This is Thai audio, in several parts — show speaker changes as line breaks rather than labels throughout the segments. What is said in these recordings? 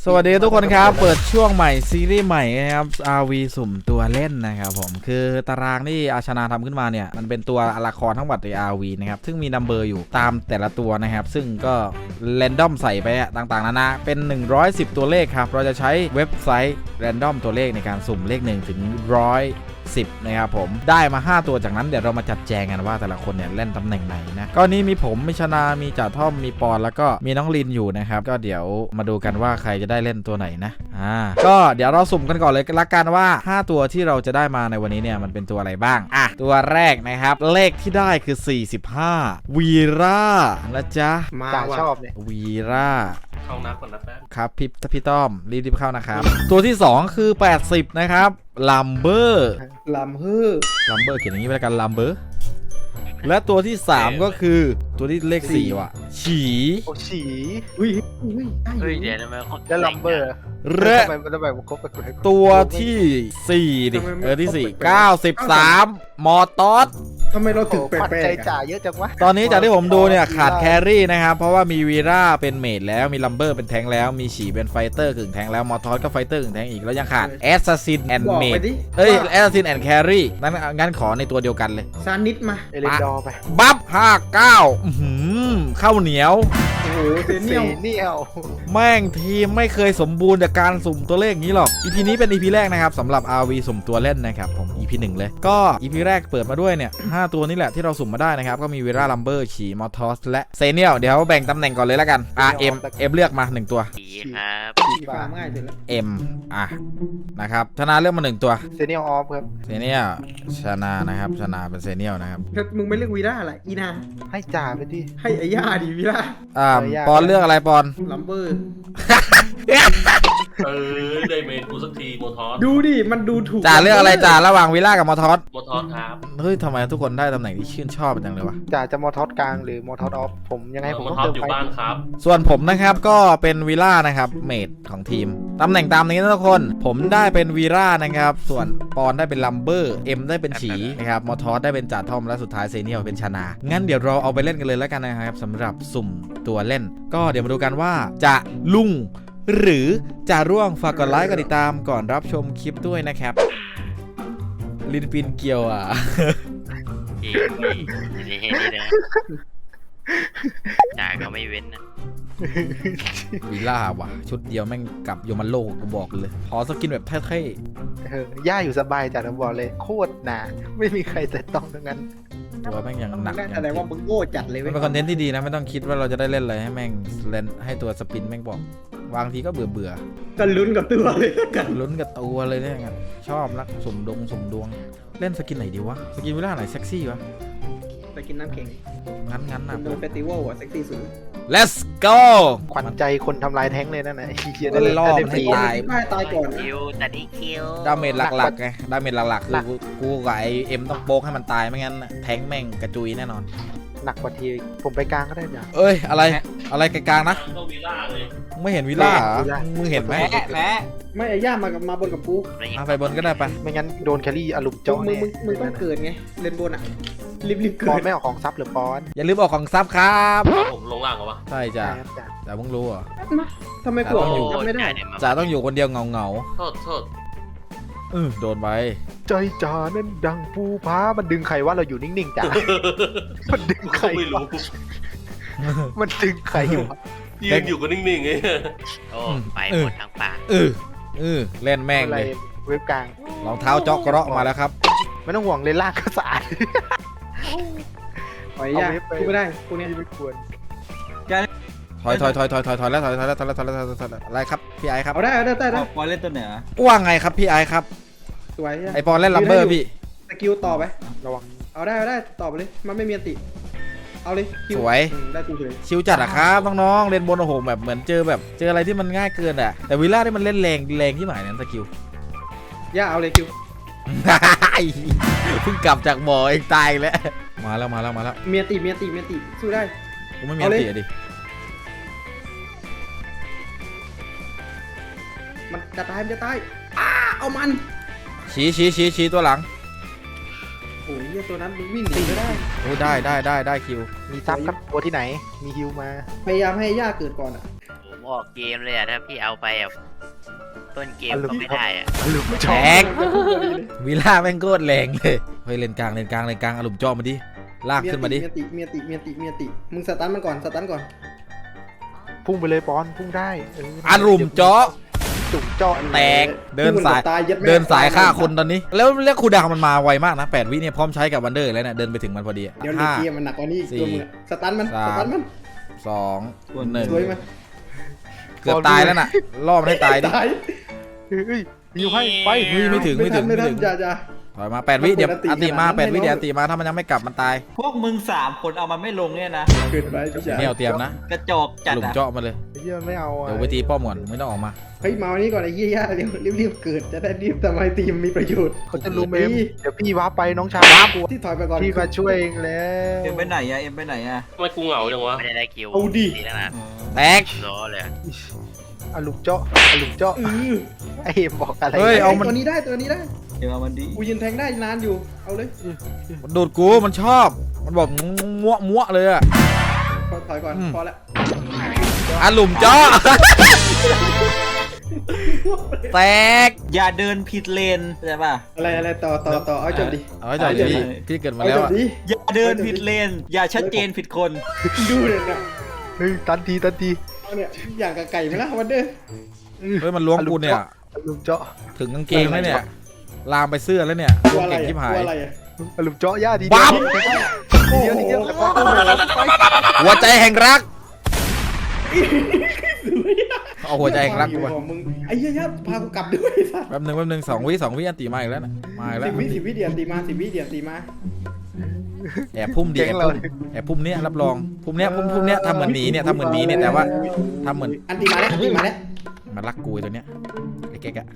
สวัสดีทุกคนครับเปิดช่วงใหม่ซีรีส์ใหม่นะครับ RV สุ่มตัวเล่นนะครับผมคือตารางที่อาชนาทำขึ้นมาเนี่ยมันเป็นตัวละครทั้งหมดใน RV นะครับซึ่งมีนัมเบอร์อยู่ตามแต่ละตัวนะครับซึ่งก็แรนดอมใส่ไปต่างๆนานาเป็น110ตัวเลขครับเราจะใช้เว็บไซต์แรนดอมตัวเลขในการสุ่มเลข1ถึง110นะครับผมได้มา5ตัวจากนั้นเดี๋ยวเรามาจัดแจงกันว่าแต่ละคนเนี่ยเล่นตำแหน่งไหนนะก็นี้มีผมมีชนามีจ่าท่อมมีปอนแล้วก็มีน้องลินอยู่นะครับก็เดี๋ยวมาดูกันว่าใครจะได้เล่นตัวไหนนะก็เดี๋ยวเราสุ่มกันก่อนเลยละกันว่า5ตัวที่เราจะได้มาในวันนี้เนี่ยมันเป็นตัวอะไรบ้างตัวแรกนะครับเลขที่ได้คือ45วีร่านะจ๊ะ
มาชอบเนี่ย
วีร่า
เข้าน้ำก่อนนะแป๊บ
ครับพี่ต้อมรีบเข้านะครับตัวที่2คือ80นะครับลัมเบอร์เขียนอย่างนี้ไปแล้วกันลัมเบอร์และตัวที่3ก็คือตัวที่เลข4ว่ะฉี
อุ้ย
เดี๋ยวทำไม
แล้วลัมเบอร์
และตัวที่4ดิที่93มอตอส
ทำไมเราถึงแปลกใจจ่าเยอะจังวะ
ตอนนี้จากที่ผมดูเนี่ยขาดแครี่นะครับเพราะว่ามีวีร่าเป็นเมจแล้วมีลัมเบอร์เป็นแทงแล้วมีฉีเป็นไฟเตอร์กึ่งแทงแล้วมอทอสก็ไฟเตอร์กึ่งแทงอีกแล้วยังขาดแอสซัสซินแอนด์เมจแอสซัสซินแอนด์แครี่งั้นขอในตัวเดียวกันเลย
ซานิดมาเอเลนดอร์ไป
บัฟ59ข้าวเหนียว
โอ้โหเซเนียล
แม่งทีมไม่เคยสมบูรณ์จากการสุ่มตัวเลขนี้หรอก EP นี้เป็น EP แรกนะครับสำหรับ RV สุ่มตัวเล่นนะครับผม EP 1เลยก็ EP แรกเปิดมาด้วยเนี่ย5ตัวนี้แหละที่เราสุ่มมาได้นะครับก็มีวีร่าลัมเบอร์ฉีมอทอสและเซเนียลเดี๋ยวแบ่งตำแหน่งก่อนเลยแล้วกันM เลือกมา1ตัว
ครับ
ง่ายสุดแล้ว
M นะครับชนะเลือกมา1ตัว
เซเนียลออฟครับ
เซเนียลชนะนะครับชนะเป็นเซเนียลนะครับ
มึงไม่เลือกวีร่าอะไรอีนาให้จ่าไปดิให้ไอ้ย่าดิวีร่า
ปอนเลือกอะไรปอน
ลัมเบอร์
ได้เมนกูสักทีโมทอส
ดูดิมันดูถูก
จ่าเลือกอะไรจ่าระหว่างวีร่ากับมอทอส
ครับ
เฮ้ยทำไมทุกคนได้ตำแหน่งที่ชื่นชอบจังเลยวะ
จ่าจะมอทอสกลางหรือมอทอสออฟผมยังไงผม
ต้องเติมไฟบ้านครับ
ส่วนผมนะครับก็เป็นวีร่านะครับเมดของทีมตำแหน่งตามนี้นะทุกคนผมได้เป็นวีร่านะครับส่วนปอนได้เป็นลัมเบอร์เอ็มได้เป็นฉีนะครับมอทอสได้เป็นจ่าทอมและสุดท้ายเซเนียลเป็นชนางั้นเดี๋ยวเราเอาไปเล่นกันเลยแล้วกันนะครับสำหรับสุ่มตัวเล่นก็เดี๋ยวมาดูกันว่าจะลุ่งหรือจะร่วงฝากกดไลค์กดติดตามก่อนรับชมคลิปด้วยนะครับลินปินเกียว
นี่นะจ่าก็ไม่เว้นนะ
วีล่าว่ะชุดเดียวแม่งกับโยมันโลกกูบอกเลยขอสกินแบบเท่
ๆย่าอยู่สบายจ่าผมบอกเลยโคตรหนาไม่มีใครแต่ต้องทั้งนั้น
ตัวแม่งยังหนัก
แสดงว่ามึงโง่จัดเลย
มันเป็นคอนเทนต์ที่ดีนะไม่ต้องคิดว่าเราจะได้เล่นอะไรให้แม่งเล่นให้ตัวสปินแม่งบอกบางทีก็เบื่อ
กันลุ้นกับตัวเลย
กันลุ้นกับตัวเลยเนี่ยชอบนักสุ่มดวงเล่นสกินไหนดีวะสกินวิลล่าไหนเซ็กซี่วะ
สกินน้ำเข็ง
งั้นนะ
โดนเฟสติวัลอะเซ็กซี่สุด
Let's go
ขวัญใจคนทำลายแท้งเลยนั่นนะ
ได้ล่อมันให้
ตายก่อน
ดาเมจหลักๆไงดาเมจหลักๆคือกูกับไอเอ็มต้องโป๊กให้มันตายไม่งั้นแท้งแม่งกระจุยแน่นอน
หนักกว่าทีผมไปกลางก็ได้จ้ะ
เอ้ยอะไรกลางนะไม่เห็นวิลล่ามึงเห็นไหม
ไม่ไอ้ย่ามาบนกับกู
ไปบนก็ได้ไป
ไม่งั้นโดนแครี่อารมณ์จ้องมึงต้องเกิดไงเล่นบนอ่ะรีบเกิดปอนไม่ออกของซับหรือปอน
อย่าลืมออกของซับครับ
ผมลงล่างเหรอวะ
ใช่จ้ะแต่มึงรู้อ่ะ
ทำไมกูอยู่ไม่ได้
จ่าต้องอยู่คนเดียวเงา
โทษ
โดนไป
ใจจ่านั่นดังปูผามันดึงใครว่าเราอยู่นิ่งๆจ้ะมันดึงใคร
ไม่รู้
มันดึงใครวะ
ยืนอยู่ก็นิ่งๆไงโอ้ไปหมดทางป่า
เล่นแม่งเลย
เว็บกลาง
รองเท้าจ๊อกกระเราะมาแล้วครับ
ไม่ต้องห่วงเลยลากก็สะอาดถอยยากกูไม่ได้กูเนี่ยไม่ควร
ถอยแล้วอะไรครับพี่ไอครับ
เอาได้
ปอนเล่นตัวเหนือ
ว่าไงครับพี่ไอครับ
สวย
ไอปอนเล่นลัมเบอร์พี่
สกิลต่อไประวังเอาได้ต่อไปเลยมันไม่มีอันติเอาเลย
สวย
ได้กูเลย
ชิวจัดอะครับน้องๆเล่นบนโอ้โหแบบเหมือนเจออะไรที่มันง่ายเกินอะแต่วิลล่าที่มันเล่นแรงที่หมายนั้นสกิล
ย่าเอาเลยคิว
เพิ่งกลับจากบ่อเองตายแล้วมาแล้ว
เมียตีสู้ได้
กูไม่มีอันติดิ
มันจะตายเอามัน
ชี้ตัวหลัง
โอ้ยตัวนั้นวิ่งตีไม่ได้
โอ้ได้คิว
มีซับครับตัวที่ไหนมีฮิวมาพยายามให้ย่าเกิดก่อนอ่ะ
ออกเกมเลยอ่ะถ้าพี่เอาไปอ่ะต้นเกมก็ไม่ได้อ่ะ
อลุม
แต
เจาะ
กวิลล่าแม่งโคตรแรงเลยเฮ้ยเลนกลางอารมณ์จ่อมาดิลากขึ้นมาดิ
เมียติมึงสตันมันก่อนสตันก่อน
พุ่งไปเลยปอนพุ่งได้
อารมณ์จ่อ
จุ่มเจาะ
แตกเดินสายฆ่าคนตอนนี้แล้วครูดาวมันมาไวมากนะ8 วิเนี่ยพร้อมใช้กับวันเดอร์แล้วเนี่ยเดินไปถึงมันพอดี
เดี๋ยวในเกมมันหนักกว่านี้อีกตัวมึงสตันมัน
2 1
สวยมั้ย
เกือบตายแล้วน่ะล่อมันให้ตายดิ
เฮ้ยยิวให้ไป
ไม่ถึง
อย่า
ถอยมา8 วิเดี๋ยวอันติมา8 วิเดี๋ยวอันติมาถ้ามันยังไม่กลับมันตาย
พวกมึง3 คนเอามันไม่ลงเนี่ยนะ
เกิดไปพี่ชาย
เนี่ยเอาเตรียมนะ
กระจอกจัด
หลุม
อะ
เจาะมาเลย
เฮียไม่เอา
เดี๋ยวไปตีป้อมก่อนไม่ต้องออกมา
เฮ้ยมาวันนี้ก่อนไอ้เหี้ยรีบเกิดจะได้รีบทำไมทีมมีประโยชน์
เขาจะรู้เมมเดี๋ยวพี่ว้าไปน้องชายว้ากู
ที่ถอยไปก่อน
พี่มาช่วยเองแล้ว
เอ็มไปไหนอะเอ็มไปไหนอะ
ทำไมกูเหงาจังวะไม่ได้คิวแล้วนะ
แตก
รอเลย
อลุมเจาะไอเอ็มบอกอะไร
เฮ้ยเอามัน
ตัวนี้ได้
เอ็มเอามันดี
กูยืนแทงได้นานอยู่เอาเลย
มันโดดกูมันชอบมันบอกมั่วเลยอะ
ถอยก่อนพอละ
อ่ะหลุมเจาะ แตก
อย่าเดินผิดเลนเข้าใจป่ะ
อะไรต่อเอาจบดิ
เอาไว้จอดดิพี่เกิดมาแล้วอะ
อย่าเดินผิดเลน อย่าชัดเจนผิดคน
ดูเลยนะ
เฮ้ยตันที
เอาเนี่ยอย่างกับไก่ไหมล่ะวันเด้อ
เฮ้ยมันล้วงกูเนี่ย
อลุมเจาะ
ถึงกางเกงแล้วเนี่ยลามไปเสื้อแล้วเนี่ย
กลัว
ล้วง
อะไร
เก่งชิบหาย
กลัวอะไรอ่ะ
อลุมเจาะย่าดี
ปั๊บ
เดียวแต่ว่า
หัวใจแห่งรักเอาหัวใจแห่งรักกูไป
มึงไอ้เหี้ยพากูกลับด้วยสัส
แป๊บนึง2 วิอันตีมาอีกแล้วนะมาอีกแล้ว
10 วิเดียนตีมา10 วิเดียนตีมา
แอบพุ่มดิแอบพุ่มเนี้ยรับรองพุ่มเนี้ยทำเหมือนหมีเนี่ยแต่ว่าทำเหมือน
อันตีมาแล้ว
มันรักกูไอ้ตัวเนี้ยไอ้แก๊กอะ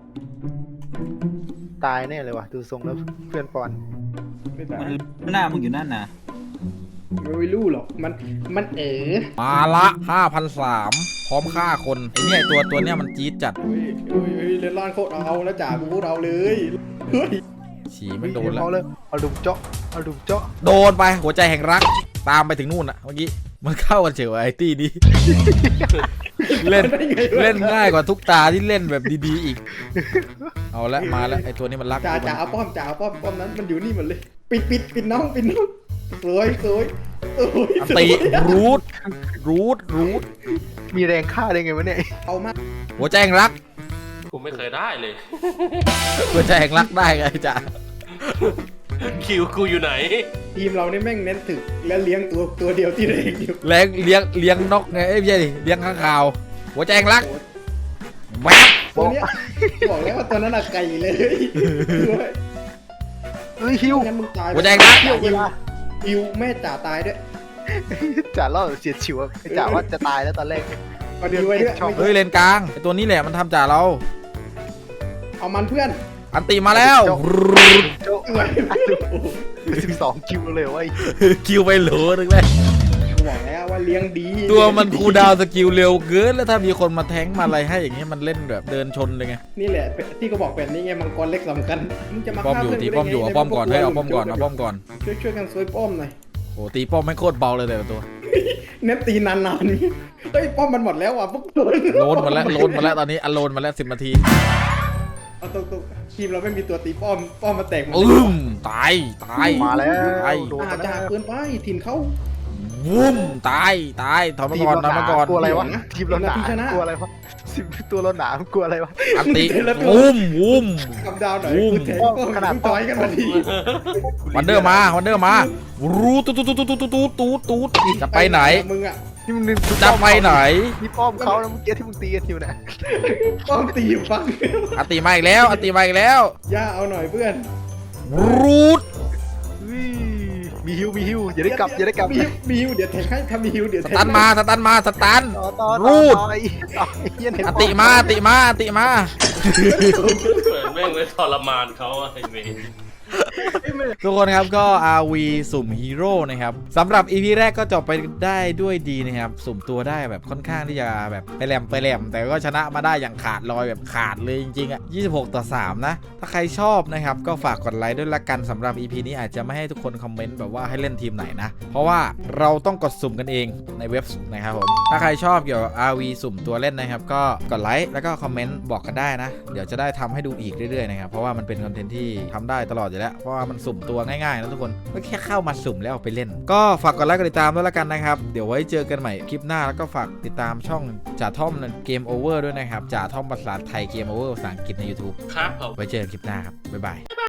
ตายแน่เลยว่ะดูทรงแล้วเพื่อนปอน
มันหน้ามึงอยู่นั่นนะ
ไม่รู้หรอกมัน
มาละ5,300พร้อมฆ่าคนไอ้เนี่ยตัวเนี้ยมันจี๊ดจัด
เล่นร้อนโคตรเอาแล้วจ่ากูพูดเอาเลยเฮ้ย
ฉี่ไม่โดนแล้ว
เอาเลยอลุมเจาะ
โดนไปหัวใจแห่งรักตามไปถึงนู่นอะเมื่อกี้มันเข้ากันเฉยไอ้ตี้นี้ เล่นง่ายกว่าทุกตาที่เล่นแบบดีๆอีกเอาละมาแล้วไอ้ตัวนี้มันรัก
จ่าเอาป้อมนั้นมันอยู่นี่หมดเลยปิดน้องสวย
อันตีรูท
มีแรงฆ่าได้ไงวะเนี่ย
เอามา
หัวใจแห่งรัก
กูไม่เคยได้เลย
หัวใจแห่งรักได้ไงจ๊ะ
คิวกูอยู่ไหน
ทีมเราเนี่ยแม่งเน้นถึกและเลี้ยงตัวเดียวที่เล็กอยู่
เลี้ยงนกไงไม่ใช่ดิเลี้ยงข้างคาว หัวใจแห่งรักแว๊บ
ตัวเนี้ยบอกแล้วว่าตัวนั้นอะไก่เลย
เฮ้ยฮิว
งั้นมึงตาย
หัวใจแห่งรัก
ฮิวแม่จ่าตายด้วย
จ่าล่อเสียดฉิวจ่าว่าจะตายแล้วตอนแรก
เอาดีไว้ด้วย
เฮ้ยเลนกลางไอ้ตัวนี้แหละมันทำจ่าเรา
เอามันเพื่อน
อันตีมาแล้ว
โจ๊ะ12 คิวเลยเว้ย
คิวไปโหลนึงเลย
กูบอกแล้วว่าเลี้ยงดี
ตัวมันคูลดาวน์สกิลเร็วเกินแล้วถ้ามีคนมาแทงก์มาอะไรให้อย่างเงี้ยมันเล่นแบบเดินชนเลยไง
นี่แหละที่เขาบอกแบบนี้ไงมังกรเล็กสำคัญมึงจะมา
ป้อมอยู่ตีป้อมอยู่เอาป้อมก่อนเฮ้ยเอาป้อมก่อน
ช่วยกันซวยป้อมหน่อย
โอ้ตีป้อมไม่โคตรเบาเลยแต่ละตัว
เน็ตตีนานๆเฮ้ยป้อมมันหมดแล้วว่ะพวกตัว
โลนมาแล้วตอนนี้อันโลนมาแล้ว10 นาที
เอาตรงๆทีมเราไม่มีตัวตีป้อมมาแตกหมด
ตาย
มาแล้วโดน
จ่าเกินไปถิ่นเขา
วุ้มตายถอยมาก่อน
กลัวอะไรวะทีมเราหนากลัวอะไรวะตัวเราหนากลัวอะไรวะ
อันตีวุ้ม
กับดาวหน่อยกูแทงป้อมขนาดต่อยกันมาที
วันเดอร์มารูตูจะไปไหน
มึงอะ
นี่มึง
จะไปไหน
นี่ป้อมเขาแล้วเมื่อกี้ที่มึงตีกันอยู่นะ
ป้อมตีอยู่ฟัง
อันตีมาอีกแล้ว
ย่าเอาหน่อยเพื่อน
รูด
มีฮิวอย่าได้กลับ
มีฮิวเดี๋ยวแทงให้ถ้ามีฮิวเดี๋ยว
ส
แทง
ตันมา รูด อันติมา
เหมือนแม่งเลยทรมานเขาไอ้เมย์
ทุกคนครับก็ RV สุ่มฮีโร่นะครับสำหรับ EP แรกก็จบไปได้ด้วยดีนะครับสุ่มตัวได้แบบค่อนข้างที่จะแบบไปแหลมแต่ก็ชนะมาได้อย่างขาดลอยแบบขาดเลยจริงๆอ่ะ26-3นะถ้าใครชอบนะครับก็ฝากกดไลค์ด้วยละกันสำหรับ EP นี้อาจจะไม่ให้ทุกคนคอมเมนต์แบบว่าให้เล่นทีมไหนนะเพราะว่าเราต้องกดสุ่มกันเองในเว็บนะครับผมถ้าใครชอบเกี่ยวกับ RV สุ่มตัวเล่นนะครับก็กดไลค์แล้วก็คอมเมนต์บอกกันได้นะเดี๋ยวจะได้ทำให้ดูอีกเรื่อยๆนะครับเพราะว่ามันเป็นคอนเทนต์ที่ทำได้ตลอดอยู่แล้วเพราะว่ามันสุ่มตัวง่ายๆนะทุกคนก็แค่เข้ามาสุ่มแล้วเอาไปเล่นก็ฝากกดไลค์กดติดตามด้วยละกันนะครับเดี๋ยวไว้เจอกันใหม่คลิปหน้าแล้วก็ฝากติดตามช่องจ่าท่อมเกมโอเวอร์ด้วยนะครับจ่าท่อมภาษาไทยเกมโอเวอร์ภาษาอังกฤษใน YouTube
ครับผม
ไว้เจอกันคลิปหน้าครับบ๊ายบาย